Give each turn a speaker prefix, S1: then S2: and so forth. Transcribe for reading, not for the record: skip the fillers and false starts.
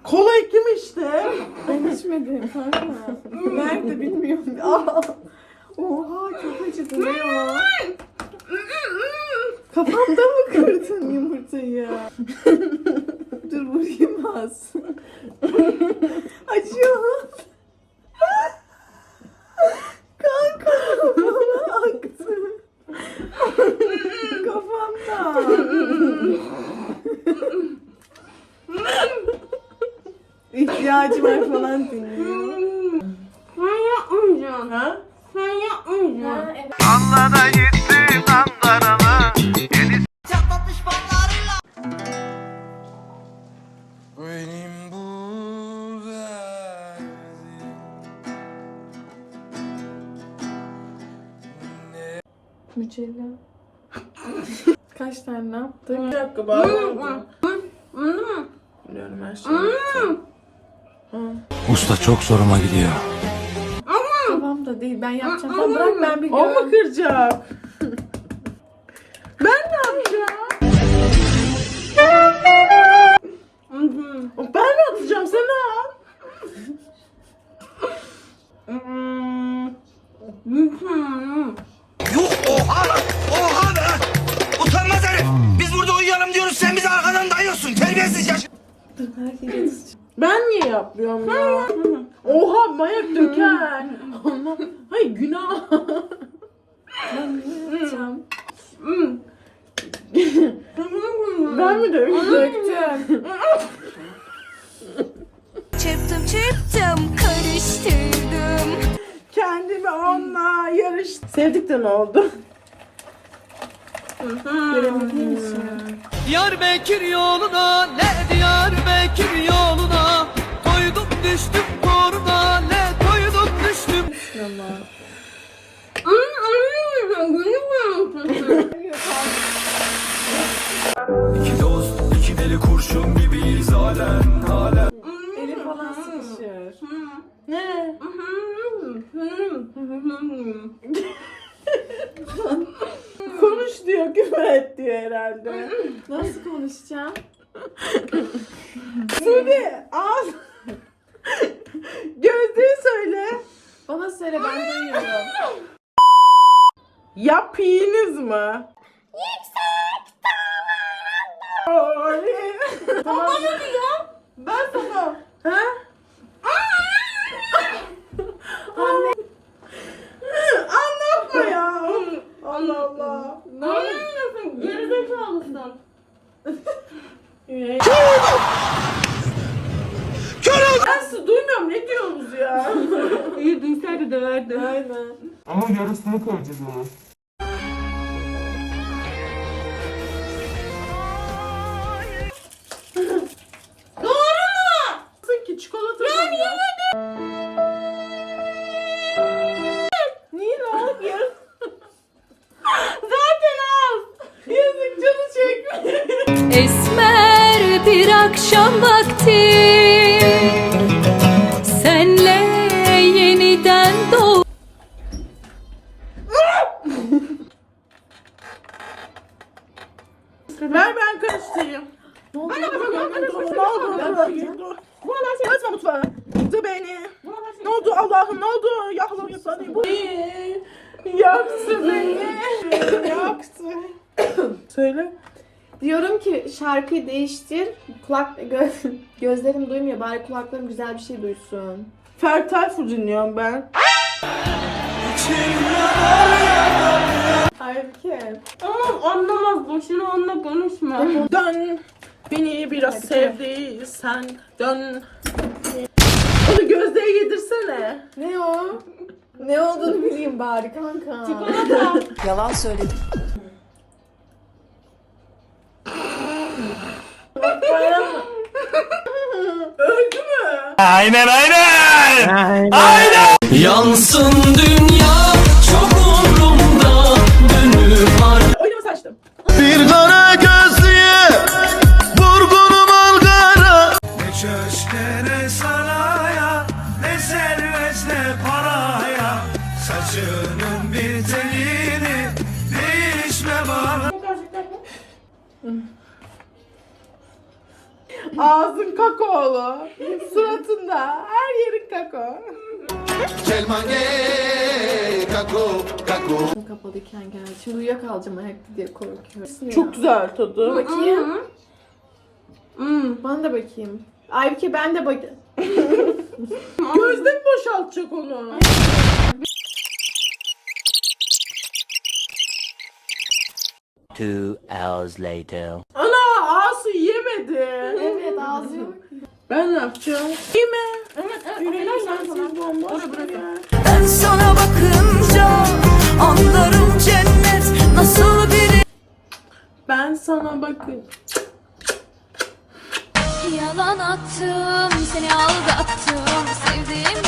S1: Kola kim işte?
S2: Ben içmedim kanka. Nerede bilmiyorum. Aa. Oha çok acıdı ne ya? Kafamda mı kırdın yumurtayı? Dur vurayım az. Acıyor. Kanka bana aktı. Kafamda. İhtiyacı var falan dinliyor.
S3: Sen yapmayacaksın.
S1: Ha?
S3: Sen yapmayacaksın.
S4: Anlara gittim Ankara'lı benim bu derdim.
S2: Mücella. Kaç tane ne yaptık?
S1: Bir dakika bağırıyorum.
S3: Anladın mı?
S1: Biliyorum her şeyi.
S4: Usta çok zoruma gidiyor.
S2: Kafamda değil ben yapacağım. Sen bırak ben bir
S1: O mu kıracak? Ben ne yapacağım? Ben mi atacağım? Sen al.
S4: Yuh oha lan! Oha be! Utanmaz herif! Biz burada uyuyalım diyoruz, sen bizi arkadan dayıyorsun, terbiyesiz yaş...
S1: Ben niye yapmıyorum ya? Oha mayak döker. Allah. Hayır günah.
S2: Ben ne yapacağım?
S1: Ben mi döktüm?
S5: Çırptım karıştırdım.
S1: Kendimi onunla sevdik de ne oldu?
S2: Göremediğim için.
S6: Diyarbakır yoluna, ne Diyarbakır yoluna, koydum düştüm koruna, ne koydum düştüm.
S4: İki dost, iki deli kurşun gibiyiz halen, halen.
S2: Eli falan sıkışır.
S1: Ne? Konuş diyor, küfür et diyor herhalde.
S2: Nasıl konuşacağım?
S1: Sude al. Gözlüğü söyle.
S2: Bana söyle ben duyuyorum.
S1: Yapayınız mı? Yüksek dağlarda. Tamam. Bana diyor. Ben sana. Ha? Anne. Anlatma ya. Allah Allah.
S3: Ne yapıyorsun? Gerizekalısın.
S1: Ben sizi duymuyorum. Ne diyorsunuz ya?
S3: İyi duysaydı döverdi.
S1: Aynen.
S4: Ama yarısını koyacağız o.
S1: Sanki çikolata ya niye niye ne oldu ya? Zaten az. Yazık canı çekmiyor.
S5: Esmer bir akşam vakti senle yeniden doğ.
S1: Ver ben karıştırayım.
S2: Ne oldu?
S1: Ne oldu? Açma mutfağı. Dur beni. Ne oldu Allah'ım ne oldu? Ya Allah'ım yapsana. Yaktı beni. Yaktı. Söyle.
S2: Diyorum ki şarkıyı değiştir. Gözlerim duymuyor. Bari kulaklarım güzel bir şey duysun.
S1: Ferdi Tayfur dinliyorum ben.
S2: Halbuki.
S3: Tamam anlamaz. Boşuna onunla konuşma.
S1: Dön. Beni biraz sevdiysen dön. Onu Gözde'ye yedirsene.
S2: Ne o? Ne olduğunu bileyim bari kanka.
S5: Yalan söyledim.
S1: Öldü mü?
S4: Aynen aynen! Aynen!
S6: Yansın dünya çok umrumda, dönüp
S1: Oynama saçtım.
S4: Bir kara gözlüye vurgunum Ankara. Ne köşke ne saraya, ne servet ne paraya, saçının bir telini değişme bana.
S1: Ağzın kakaolu. Suratında. Her yerin kakao.
S2: Kapalıyken geldi. Şimdi uyuyakalacağım ayakta diye korkuyorum.
S1: Çok güzel tadı.
S2: Bakayım. Bana da bakayım. Aybüke ben de bakayım.
S1: Gözde mi boşaltacak onu?
S7: Two hours later.
S1: Ana ağası yemedi.
S2: Evet ağzı yok.
S1: Ben ne yapacağım? Yeme.
S3: Evet.
S1: Yüreğim sensiz bomboş.
S5: Ben sana bakınca anlarım cennet nasıl biri.
S1: Ben sana bakın.
S5: Yalan attım, seni aldattım, sevdiğim